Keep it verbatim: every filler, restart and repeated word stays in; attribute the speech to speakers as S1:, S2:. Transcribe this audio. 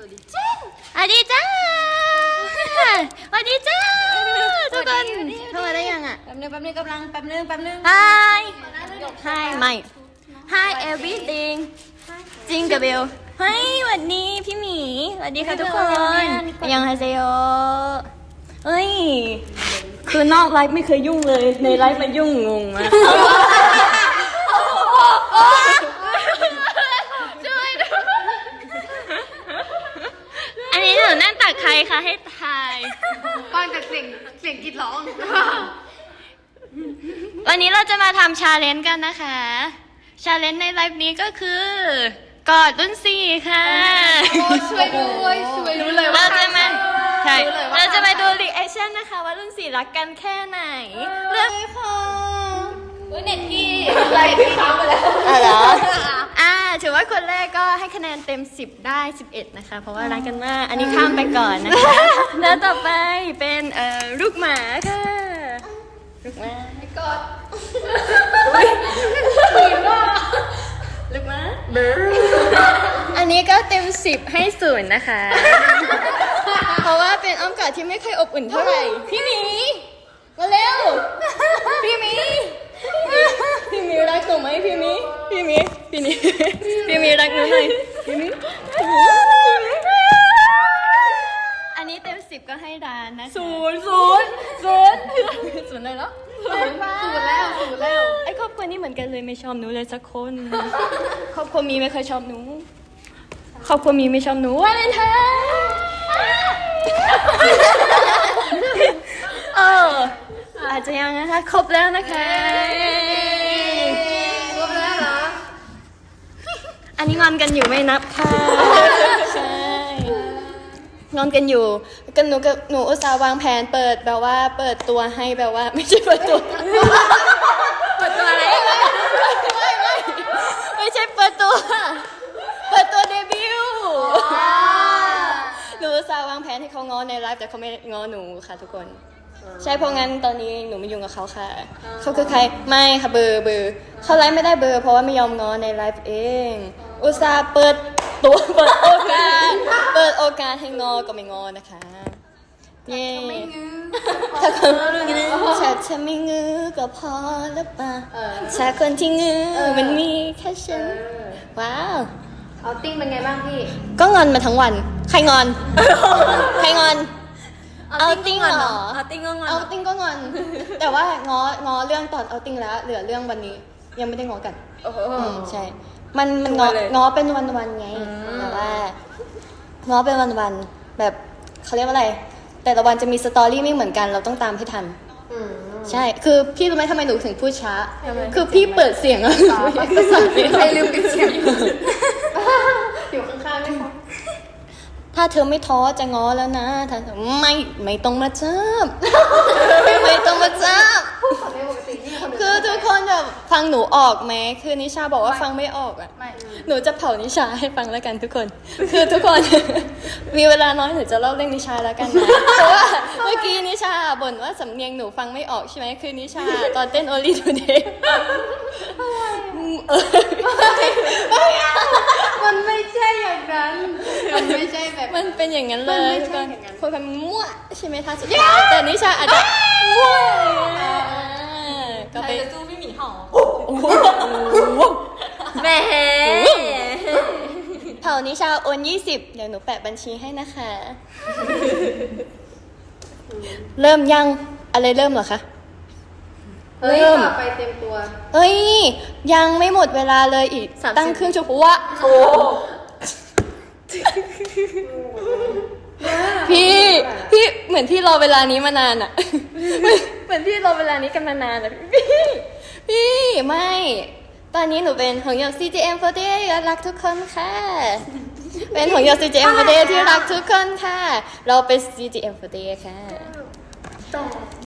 S1: วัสดีจ้า
S2: สวัสดีจ้าสวัสดีจ้าทุกคนเข้ามาได้ยังอ่ะ
S1: แป๊บนึงแป๊บนึงกำลังแป๊บนึงแป๊บนึง
S2: Hi Hi ไม่ Hi everything จริงกับเบลเฮ้ยสวัสดีพี่หมีสวัสดีค่ะทุกคนยังไฮเซโยเฮ้ยคือนอกไลฟ์ไม่เคยยุ่งเลยในไลฟ์มายุ่งงงมากช่วยด้วยอันนี้หนูนั่งตักใครคะให้ทาย
S1: ฟังจากเสียงเสียงกรีดร้อง
S2: วันนี้เราจะมาทำชาเลนจ์กันนะคะชาเลนจ์ในไลฟ์นี้ก็คือกอดรุ่นสี่ค่ะ
S1: ช่วยด้วยช่วยรู้เลยว่า
S2: เราจะมาใช่
S1: รู้เลยว่า
S2: เราจะมาดูรีแอคชั่นนะคะว่ารุ่นสี่รักกันแค่ไหนเรื่องค่ะ
S1: อุ้ยเน็ตที่อะไรที่ค้างไปแล้ว
S2: อ๋อเหรออ่าถือว่าคนแรกก็ให้คะแนนเต็มสิบได้สิบเอ็ดนะคะเพราะว่ารักกันมากอันนี้ข้ามไปก่อนนะคะแล้วต่อไปเป็นเอ่อลูกหมาค่ะลูกหมา
S1: กอดฝืนว่า
S2: ลูกหมาอันนี้ก็เต็มสิบให้ศูนย์นะคะ เพราะว่าเป็นอ้อมกอดที่ไม่เคยอบอุ่นเท่าไหร่พี่หมีมาเร็วพี่หมีพี่หมีรักหนูไหมพี่หมีพี่หมีพี่หมีพี่หมีรักหนูหน่อยพี่หมีอันนี้เต็มสิบก็ให้ดานนะคะศูนย์ศูนย์ศูนย์ศูนย์เลยเหรอ
S1: ฝืนแล้วฝืนแล้ว
S2: ไอ้ครอบครัวนี้เหมือนกันเลยไม่ชอบหนูเลยสักคนครอบครัวมีไม่เคยชอบหนูครอบครัวมีไม่ชอบหนูวาเลนไทน์เอออาจจะยังนะคะครบแล้วนะคะ
S1: ครบแล้วเหรอ
S2: อันนี้งอนกันอยู่ไม่นับค่ะใช่งอนกันอยู่กันหนูกับหนูอุตส่าห์วางแผนเปิดแบบว่าเปิดตัวให้แบบว่าไม่ใช่เปิดตัว
S1: เปิดตัวอะไร
S2: ไม่ไม่ไม่ไม่ใช่เปิดตัวเปิดตัวเดบิวต์หนูอุตส่าห์วางแผนให้เขาง้อในไลฟ์แต่เขาไม่ง้อหนูค่ะทุกคนใช่เพราะงั้นตอนนี้หนูไม่ยุ่งกับเขาค่ะเขาคือใครไม่ค่ะเบอร์เบอร์เขาไลฟ์ไม่ได้เบอร์เพราะว่าไม่ยอมง้อในไลฟ์เองอุตส่าห์เปิดตัวเปิดโอกาสเปิดโอกาสให้ง้อก็ไม่ง้อนะคะเย้ถ้าคนฉันจะไม่งื้อก็พอแล้วป่ะถ้าคนที่งื้อมันมีแค่ฉันว้าว
S1: เอาติ้งเป็นไงบ้างพี่
S2: ก็งอนมาทั้งวันใครงอนใครงอนเอาติ้งเหรอ
S1: เอาติ้งก็งอน
S2: เอาติ้งก็งอน แต่ว่าง้อง้อเรื่องตอนเอาติ้งแล้วเหลือเรื่องวันนี้ยังไม่ได้ง้อกัน
S1: โอ้โห
S2: อืมใช่ มันมันง้อ
S1: เลย
S2: ง้อเป็นวันวันๆไงแต่ว่าง้อเป็นวันวันๆแบบเขาเรียกว่าอะไร แต่ละวันจะมีสตอรี่ไม่เหมือนกันเราต้องตามให้ทัน
S1: อืม
S2: ใช่ คือพี่รู้ไหมทำไมหนูถึงพูดช้า คือพี่เปิดเสียงอะประสาทไม่
S1: ใคร
S2: ได้
S1: ลืมปิดเสียงอยู่ข้างๆไหมคะ
S2: ถ้าเธอไม่ท้อจะง้อแล้วนะถ้าไม่ไม่ต้องมาจับ ไม่ต้องมาจับ
S1: ไม่ปกติที่คนอื่น
S2: คือทุกคนแบบฟังหนูออกไหมคือนิชาบอกว่าฟังไม่ออกอะ
S1: ไม่
S2: หนูจะเผานิชาให้ฟังแล้วกันทุกคน คือทุกคน มีเวลาน้อยหนูจะเล่าเรื่องนิชาแล้วกันนะ เพราะว่าเมื่อกี้นิชาบ่นว่าสำเนียงหนูฟังไม่ออกใช่ไหมคือนิชาตอนเต้น Only Today เออ
S1: มันไม่ใช่อย่างนั้น มันไม่ใช่แบบ
S2: มันเป็นอย่างนั้นเล
S1: มัน
S2: ย
S1: ไม่
S2: ทุก
S1: ใช่
S2: คน
S1: อย่างนั้น
S2: คนคนมั่วใช่ไหมท่าสุดท้ายแต่นิชาอาจจะมั่วก็ไป
S1: จะสู้พี่หมีเห่า
S2: แหมเผานิชาโอนยี่สิบเดี๋ยวหนูแปะบัญชีให้นะคะ เริ่มยังอะไรเริ่มเหรอคะ
S1: เฮ้ย
S2: เริ่ม
S1: ต่อไปเต็มตัว
S2: เอ้ยยังไม่หมดเวลาเลยอีก
S1: สามสิบ
S2: ตั้งครึ่งชั่วโมงวะโอ้พี่พี่เหมือนพี่รอเวลานี้มานานอะ เหมือนพี่รอเวลานี้กันมานานอะพี่พี่ไม่ ตอนนี้หนูเป็นหงหยก ซี จี เอ็ม โฟร์ตี้เอท รักทุกคนค่ะ เป็นหงหยก ซี จี เอ็ม โฟร์ตี้เอท ที่รักทุกคนค่ะ เราเป็น ซี จี เอ็ม โฟร์ตี้เอท ค่ะ